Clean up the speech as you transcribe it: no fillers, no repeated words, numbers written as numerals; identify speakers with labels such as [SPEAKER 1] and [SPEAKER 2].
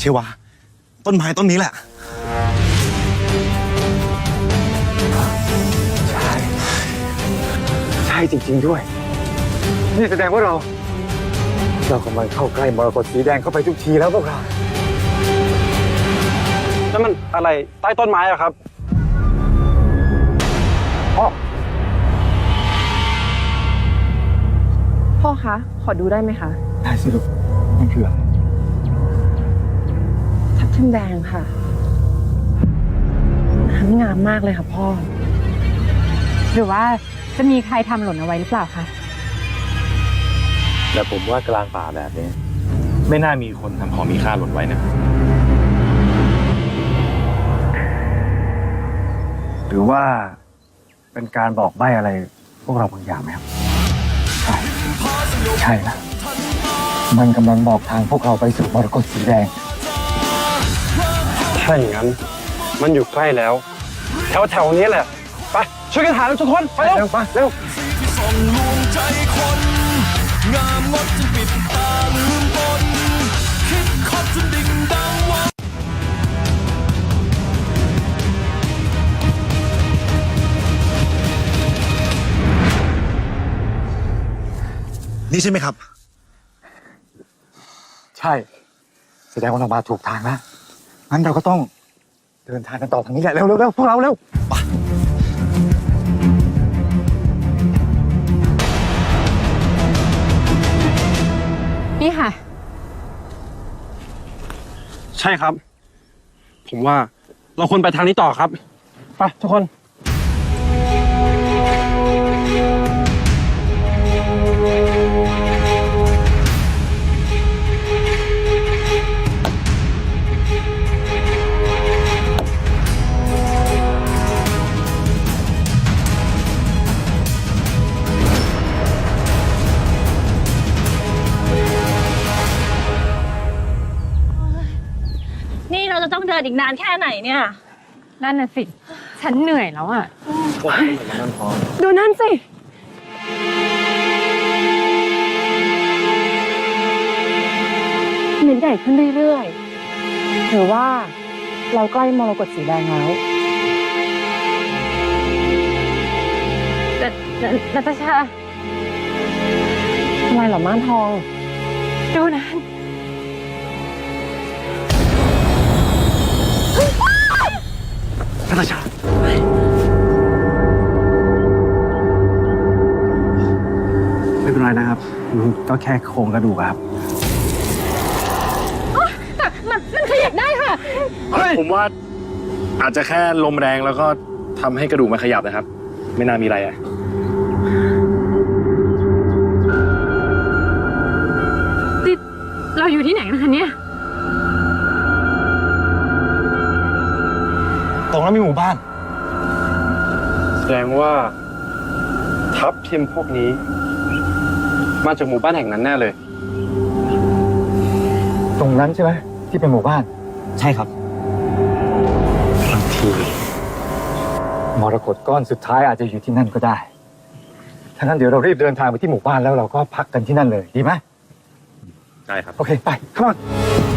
[SPEAKER 1] วาต้นไม้ต้นนี้แหละ
[SPEAKER 2] ใช่จริงๆด้วยนี่แสดงว่าเรากำลังเข้าใกล้มรกตสีแดงเข้าไปทุกทีแล้วพวกเรา
[SPEAKER 3] นั่นมันอะไรใต้ต้นไม้อะครับ
[SPEAKER 4] พ่อคะขอดูได้ไหมคะ
[SPEAKER 2] ได้สิลูกมันคืออะไร
[SPEAKER 4] ทับทิมแดงค่ะน้ำงามมากเลยค่ะพ่อหรือว่าจะมีใครทำหล่นเอาไว้หรือเปล่าคะ
[SPEAKER 5] แต่ผมว่ากลางป่าแบบนี้ไม่น่ามีคนทำของมีค่าหล่นไว้นะ
[SPEAKER 2] หรือว่าเป็นการบอกใบ้อะไรพวกเราบางอย่างไหมครับใช่นะมันกำลังบอกทางพวกเราไปสู่มรกตสีแดง
[SPEAKER 3] ถ้าอย่างนั้นมันอยู่ใกล้แล้วแถวนี้แหละไปช่วยกันหาทุกคนไปเร็ว
[SPEAKER 2] ไปเร็ว
[SPEAKER 1] นี่ใช่ไหมครับ
[SPEAKER 2] ใช่แสดงว่าเรามาถูกทางแล้วงั้นเราก็ต้องเดินทางกันต่อทางนี้แหละเร็วๆพวกเราเร็วไป
[SPEAKER 4] นี่ค่ะ
[SPEAKER 3] ใช่ครับผมว่าเราควรไปทางนี้ต่อครับไปทุกคน
[SPEAKER 6] นี่เราจะต้องเดินอีกนานแค่ไหนเนี่ย
[SPEAKER 4] นั่นน่ะสิฉันเหนื่อยแล้วอ่ะดูนั่นสิเหม็นใหญ่ขึ้นเรื่อยๆหรือว่าเราใกล้มรกตสีแดงแล้วนาตาชาทำไมเหรอม่านทองดูนั่น
[SPEAKER 2] นาตาชาไม่เป็นไรนะครับก็แค่โครงกระดูกครับ
[SPEAKER 4] แต่มันขยับได้ค่ะ
[SPEAKER 5] ผมว่าอาจจะแค่ลมแรงแล้วก็ทำให้กระดูกมันขยับนะครับไม่น่ามีอะไรอะ
[SPEAKER 4] เราอยู่ที่ไหนกันคะเนี่ย
[SPEAKER 1] ตรงนั้นมีหมู่บ้าน
[SPEAKER 3] แสดงว่าทัพทีมพวกนี้มาจากหมู่บ้านแห่งนั้นแน่เลย
[SPEAKER 2] ตรงนั้นใช่ไหมที่เป็นหมู่บ้าน
[SPEAKER 1] ใช่ครับ
[SPEAKER 2] บางทีมรกตก้อนสุดท้ายอาจจะอยู่ที่นั่นก็ได้ถ้างั้นเดี๋ยวเรารีบเดินทางไปที่หมู่บ้านแล้วเราก็พักกันที่นั่นเลยดีไหม
[SPEAKER 5] ได้ครับ
[SPEAKER 2] โอเคไป come on